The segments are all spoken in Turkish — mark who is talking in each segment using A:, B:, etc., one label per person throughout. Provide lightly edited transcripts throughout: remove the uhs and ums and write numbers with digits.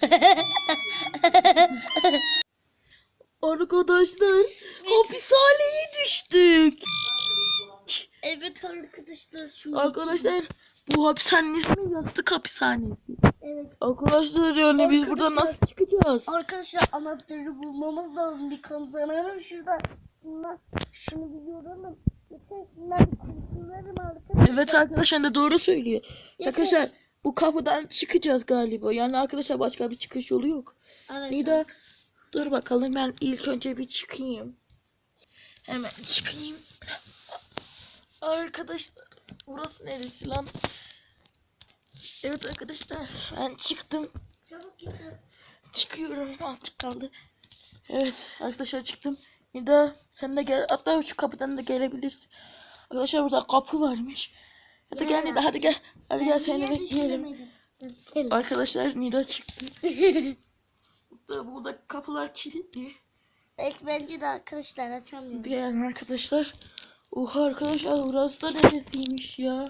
A: Arkadaşlar hapishaneye düştük.
B: Evet arkadaşlar.
A: Arkadaşlar bu hapishanenin ismi yastık hapishanesi.
B: Evet.
A: Arkadaşlar yani biz buradan nasıl çıkacağız?
B: Arkadaşlar anahtarı bulmamız lazım. Bir kazanalım şurada. Şunu biliyorum. Yeter şunlar bir kurtularım arkadaşlar.
A: Evet arkadaşlar da doğru söylüyor. Arkadaşlar bu kapıdan çıkacağız galiba. Yani arkadaşlar başka bir çıkış yolu yok.
B: Evet.
A: Nida dur bakalım ben ilk önce bir çıkayım. Hemen çıkayım. Arkadaşlar burası neresi lan? Evet arkadaşlar ben çıktım.
B: Çabuk gitsin.
A: Çıkıyorum, azıcık kaldı. Evet arkadaşlar çıktım. Nida sen de gel, hatta şu kapıdan da gelebilirsin. Arkadaşlar burada kapı varmış. Hadi gel Nida, hadi gel. Hadi gel seni bekleyelim. Arkadaşlar Nida çıktı. Burada kapılar kilitli.
B: Belki bence de arkadaşlar açamıyorum.
A: Gel arkadaşlar. Oha arkadaşlar burası da neresiymiş ya.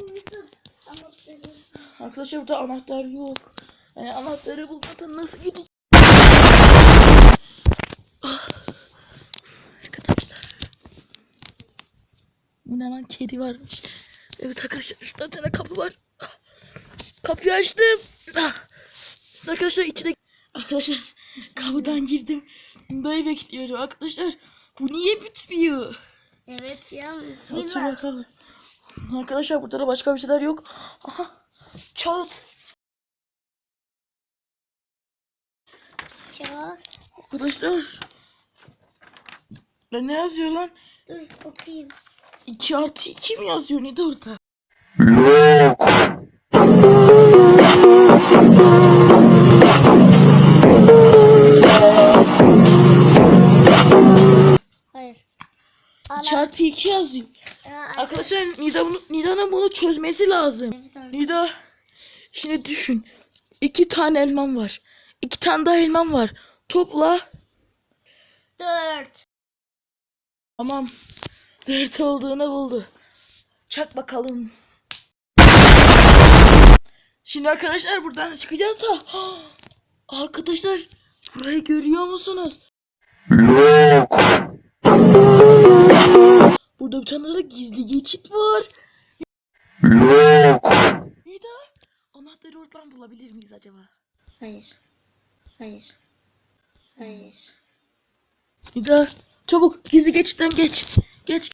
A: Arkadaşlar burada anahtar yok. Yani anahtarı bulmadan nasıl gideceğiz? Arkadaşlar. Bu ne lan, kedi varmış. Evet arkadaşlar şurada bir tane kapı var. Kapıyı açtım. Şimdi arkadaşlar içine... Arkadaşlar kapıdan girdim. Dayı bekliyorum arkadaşlar. Bu niye bitmiyor?
B: Evet ya.
A: Otur bakalım. Arkadaşlar burada da başka bir şeyler yok. Aha. Kağıt.
B: Kağıt.
A: Arkadaşlar. Ne yazıyor lan?
B: Dur okuyayım.
A: 2+2 mi yazıyor? Ne de orada?
C: Yok.
B: Hayır.
A: 2+2 yazıyor. Arkadaşlar Nida'nın bunu çözmesi lazım.
B: Evet,
A: Nida şimdi düşün. 2 tane elmam var. 2 tane daha elmam var. Topla.
B: 4.
A: Tamam. 4 olduğunu buldu. Çak bakalım. Şimdi arkadaşlar buradan çıkacağız da. Arkadaşlar burayı görüyor musunuz?
C: Yok.
A: Burada bir tane de gizli geçit var.
C: Yok.
A: Nida anahtarı oradan bulabilir miyiz acaba?
B: Hayır. Hayır. Hayır.
A: Nida çabuk gizli geçitten geç. Geç.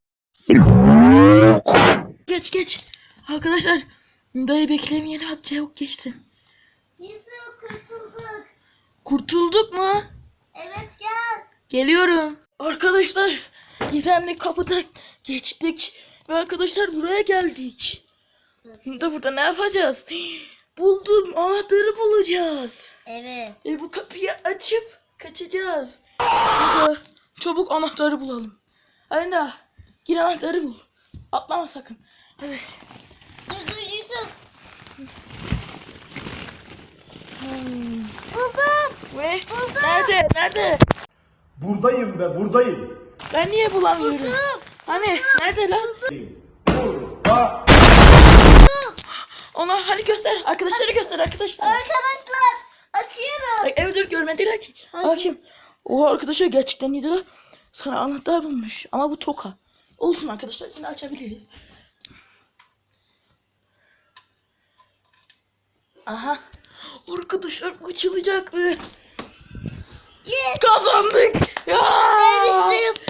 A: Geç. Arkadaşlar Nida'yı beklemeyelim, hadi çabuk geçsin.
B: Yusuf kurtulduk.
A: Kurtulduk mu?
B: Evet gel.
A: Geliyorum. Arkadaşlar gizemli kapıdan geçtik. Ve arkadaşlar buraya geldik. Şimdi burada ne yapacağız? Buldum, anahtarı bulacağız.
B: Evet.
A: Bu kapıyı açıp kaçacağız. Burada çabuk anahtarı bulalım. Hadi daha gir, anahtarı bul. Atlama sakın. Hadi.
B: Dur Yusuf.
A: Buldum. Ve nerede?
C: Buradayım be, buradayım.
A: Ben niye bulamıyorum? Hani nerede lan?
C: Burada.
A: Ona hani göster. Arkadaşları göster arkadaşlar.
B: Arkadaşlar açıyorum.
A: Evet dur, görmediler ki. Açayım. Oha arkadaşlar gerçekten iyidir. Sana anahtar bulmuş. Ama bu toka. Olsun arkadaşlar, yine açabiliriz. Aha. Arkadaşlar açılacak mı?
B: Yes.
A: Kazandık. Ya.
B: Demiştim.